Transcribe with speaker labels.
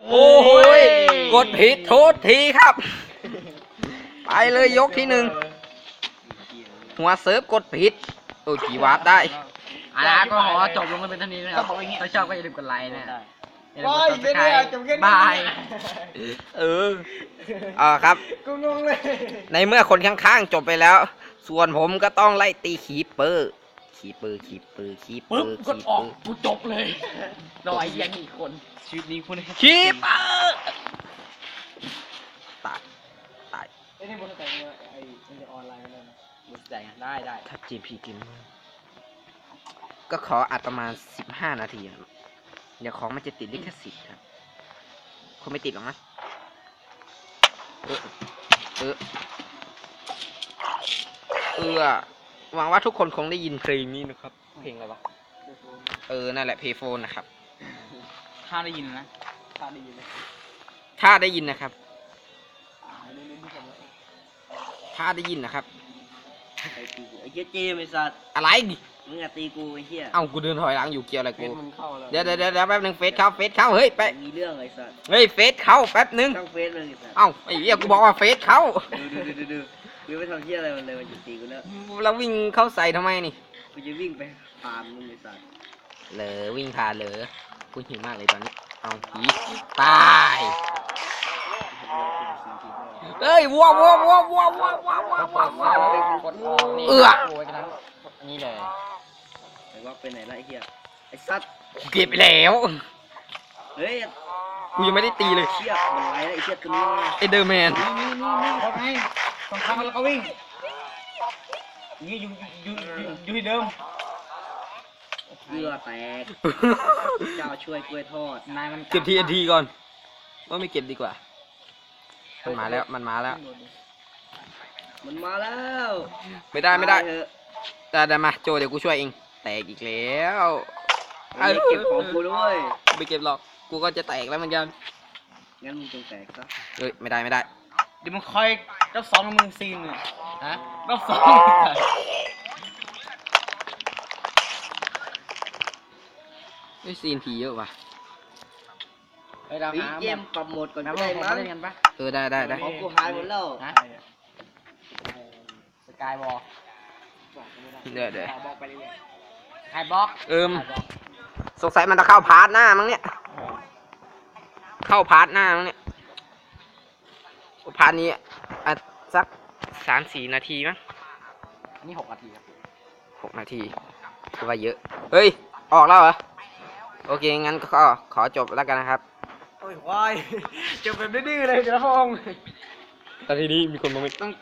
Speaker 1: โอ้ยกดผิดโทษทีครับ ไปเลยยกที่หนึ่งหัวเซิร์ฟกดผิดโอ้ยผีวาร์ปได้
Speaker 2: ก็ขอจบลงกันเป็นเท่านี้นะครับถ้าชอบก็อย่าลืมกดไลค์นะอย่าลืม
Speaker 3: โอ้
Speaker 2: ก
Speaker 3: ย
Speaker 2: ด
Speaker 3: เดี๋ยว
Speaker 2: subscribe
Speaker 3: จบแค่นี้
Speaker 2: บาย
Speaker 1: ครับ
Speaker 3: กูงงเลย
Speaker 1: ในเมื่อคนข้างๆจบไปแล้ว ส่วนผมก็ต้องไล่ตีคีปเปอร์คีปเปอร์
Speaker 2: ปึ๊บกดออกกูจบเลยรอไอ้เหี้ยนี่อีกคน
Speaker 3: ชีวิตนี้คุณ
Speaker 1: คีปเปอร์ตายตาย
Speaker 3: ไอ้นี่บนแต่งเนี่ยไอ้มันจะออนไลน์กันเลยนะ
Speaker 2: มึงใจได้
Speaker 1: ถ้า GP กินก็ขออัดประมาณ15 นาทีครับเดี๋ยวของมันจะติดลิขสิทธิ์ครับคงไม่ติดหรอกนะหวังว่าทุกคนคงได้ยินเพลงนี้นะครับ เพลงอะไรวะ นั่นแหละเพย์โฟนนะครับ
Speaker 2: ถ้าได้ยินนะ
Speaker 3: ตาดีเลย
Speaker 1: ถ้าได้ยินนะครับ
Speaker 3: เล่นที่ผมเลย
Speaker 1: ถ้าได้ยินนะครับ
Speaker 4: ไอ้ตีกูไอ้เหี้ยเจมไอ้สัตว์
Speaker 1: อะไร
Speaker 4: มึงอะตีกูไอ้เหี้ย
Speaker 1: เอ้ากูเดินถอยหลังอยู่เกี่ยวอะไร
Speaker 3: เฟ
Speaker 1: กู
Speaker 3: ซมึงเข้าแล้ว
Speaker 1: เดี๋ยวแป๊บนึงเฟซเข้าเฮ้ยไป
Speaker 4: มีเรื่องไอ้สัตว์
Speaker 1: เฮ้ยเฟซเข้าแป๊บนึง
Speaker 4: ช่างเฟซมึงไอ้สัตว์
Speaker 1: เอ้าไอ้เหี้ยกูบอกว่าเฟซเข้า
Speaker 4: ดูกูไม่ทำเหี้ยอะไรมันเลยมันจะตีกูแล้ว
Speaker 1: แล้ววิ่งเข้าใส่ทำไมนี่
Speaker 4: กูจะวิ่งไปฟาร์มมึงไอ้สัตว์
Speaker 1: เหลอวิ่งผ่านเหลอกูหิวมากเลยตอนนี้ เอาผีตายเอ้ยวัว
Speaker 2: กดออกนี่โอ้ยกันนั้นนี่เลย
Speaker 4: ไอ้ว่าไปไหนละไอ้เหี้ยไอ้สัตว์
Speaker 1: กูเก็บไปแล้ว
Speaker 4: เฮ้ย
Speaker 1: กูยังไม่ได้ตีเลย
Speaker 4: เชี่ยมันไรละไอ้เชี่ยตัวนี้มา
Speaker 1: ไอเดอร์แมน
Speaker 3: เขาไงสองครั้งแล้วก็วิ่งนี่อยู่ที่เดิม
Speaker 4: เกลือแตกเจ้าช่วยกล้วยทอด
Speaker 2: นายมัน
Speaker 1: เก็บทีนทีก่อนว่าไม่เก็บดีกว่า มันมาแล้ว
Speaker 4: มันมาแล้ว
Speaker 1: ไม่ได้
Speaker 4: เถอะ
Speaker 1: แต่มาโจเดี๋ยวกูช่วยเอง แตกอีกแล้ว
Speaker 4: ไอ้เก็บของกูด้วย
Speaker 1: ไม่เก็บหรอก กูก็จะแตกแล้วเหมือนกัน
Speaker 4: งั้นมึงจงแตกซะ
Speaker 1: เอ้ยไม่ได้
Speaker 3: เดี๋ยวมึงคอยรอบสองมึงซีนเนี่ย
Speaker 2: ฮะ
Speaker 3: รอบสอง
Speaker 1: ไอ้ซีนผีเยอะว่ะ
Speaker 2: เฮ้ยเรา
Speaker 4: ไอ้
Speaker 2: หา
Speaker 4: เกมปรับโหมดก่อน
Speaker 2: แล้
Speaker 4: ก็
Speaker 2: ว
Speaker 4: ได้
Speaker 2: ผม
Speaker 4: มั้ง
Speaker 2: เล่นกันปะ
Speaker 1: ได้
Speaker 4: ของกูหายหมดแล้ว
Speaker 2: ฮะสกายวอล
Speaker 1: เดี๋ยว
Speaker 3: บอกไปเรื่อย
Speaker 2: ไฮบล็อก
Speaker 1: สงสัยมันจะเข้าพาร์ทหน้ามั้งเนี่ย เข้าพาร์ทหน้ามั้งเนี่ยพาร์ทนี้อ่ะสัก3-4 นาทีมั้ง
Speaker 2: นี่6 นาทีครับ
Speaker 1: 6 นาทีคือว่าเยอะ เฮ้ย ออกแล้วเหรอ โอเค งั้นก็ขอจบแล้วกันนะครับ
Speaker 3: โอ้ยควายจบแบบดื้อๆเลยเดี๋ยวนะพง
Speaker 1: ตอนนี้มีคนมาไม่
Speaker 2: ต้อง